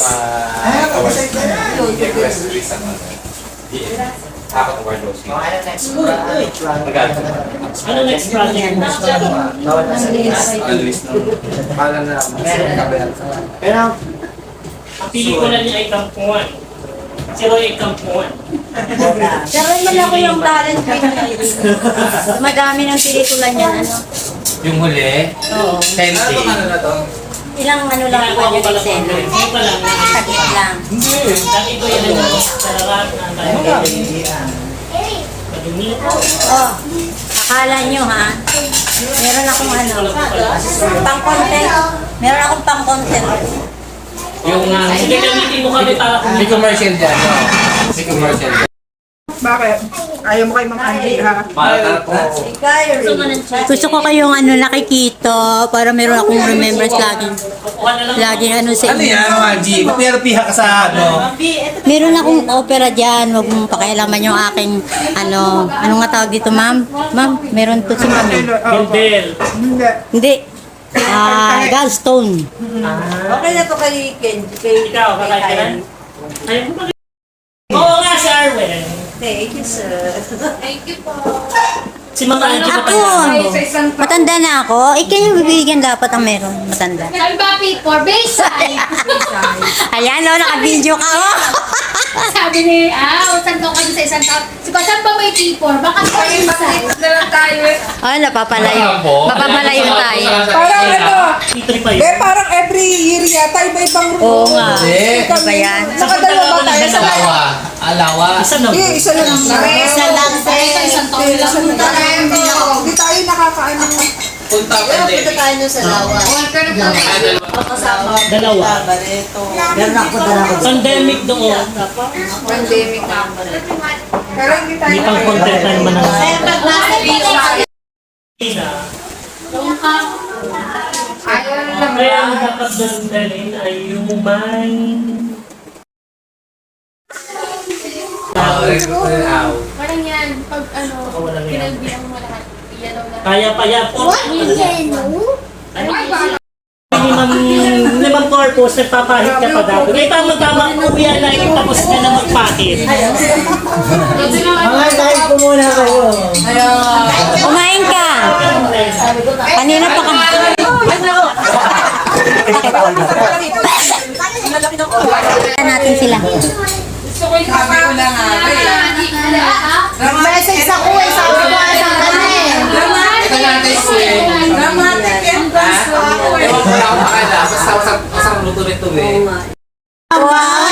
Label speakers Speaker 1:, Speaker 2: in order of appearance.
Speaker 1: request sa apat ng Wardos.
Speaker 2: Ano next project mo?
Speaker 1: Pala na
Speaker 3: Pero,
Speaker 2: Ang pelikula niya ay Kampuan. Si Roy ay Kampuan.
Speaker 4: Pero man ako yung talent ko yun. Madami ng pelikula niya, ano.
Speaker 1: yung huli,
Speaker 4: Oo.
Speaker 1: 10K. Ano na to?
Speaker 4: Ilang ano lang po yung eksena.
Speaker 2: Hindi pa lang.
Speaker 4: Sakit lang.
Speaker 2: Dati ko yan ang salarat na tayo.
Speaker 4: Oh, akala nyo ha? Meron akong ano, pang-content. Meron akong pang-content.
Speaker 1: Yung
Speaker 2: Sige, gamitin mo kami para kung
Speaker 1: may commercial dyan, no? May commercial dyan.
Speaker 5: Bakit? Ayaw mo kay Mang Angie, ha?
Speaker 1: Mahal po.
Speaker 4: Gusto ko kayong ano nakikita para meron akong remembrance lagi ano sa
Speaker 1: Ano yan, Angie? Therapy ka sa ano?
Speaker 4: Meron akong opera dyan, huwag mong pakialaman yung aking ano nga tawag dito ma'am? Ma'am, meron to si ma'am.
Speaker 2: Gildel.
Speaker 5: Hindi.
Speaker 4: Hindi. Gallstone.
Speaker 6: Okay na to kay Ken.
Speaker 2: Ikaw, kakain ka na? Ayaw mo ba? Oo nga, si Arwen.
Speaker 6: Thank you, sir.
Speaker 7: Thank you po.
Speaker 2: Si Mama Angie
Speaker 4: Ako,
Speaker 2: matanda.
Speaker 4: matanda na ako. Kayo bibigyan dapat ang meron, matanda.
Speaker 7: Sabi ba, for Bayside?
Speaker 4: Ayan, no, naka-video ka, oh.
Speaker 7: Sabi ni, saan daw kayo sa isang taon? Sabi, saan ba may T4? Baka sa Bayside.
Speaker 6: Na lang tayo eh.
Speaker 4: Oh, napapalayo. Mapapalayo tayo.
Speaker 5: Parang ano,
Speaker 2: Titoy pa yun.
Speaker 5: parang every year yata, iba-ibang room.
Speaker 4: Oo nga.
Speaker 1: Hindi.
Speaker 4: Ano ba yan?
Speaker 5: Nakadalawa ba tayo sa
Speaker 1: Alawa. Alawa.
Speaker 2: Isa na.
Speaker 5: Hindi, isa lang.
Speaker 4: Isa lang,
Speaker 7: Isang taon lang.
Speaker 5: Hindi tayo nakakaano.
Speaker 1: Punta pa
Speaker 6: Punta
Speaker 1: din.
Speaker 6: tayo nun sa lawa. Kasama.
Speaker 2: Dalawa.
Speaker 6: Barreto.
Speaker 4: Meron ako dala ko.
Speaker 2: Pandemic doon.
Speaker 6: Pandemic na.
Speaker 5: Pero hindi tayo
Speaker 2: Hindi pang content na naman ang
Speaker 6: Kaya pag nasa Bayside,
Speaker 5: Ayaw lang.
Speaker 2: Kaya ang dapat doon dalhin ay yung may...
Speaker 7: Parang yan, pag ano,
Speaker 2: Walang yan.
Speaker 7: pinagbilang mo lahat. Yellow na.
Speaker 2: Kaya pa yan. Limang purpose, nagpapahit ka pa dapat. May tama-tama, uwi na tapos ka na magpahit.
Speaker 3: mga kahit po muna kayo.
Speaker 4: Kumain ka. Kanina pa kami. Natin sila.
Speaker 6: sabi ko lang
Speaker 7: Message ako eh, sabi ko isang kanya eh.
Speaker 1: Ito natin si...
Speaker 6: dramatic entrance ko ako eh.
Speaker 1: Ewan ko lang ako makala. Basta luto nito eh.
Speaker 4: Wow!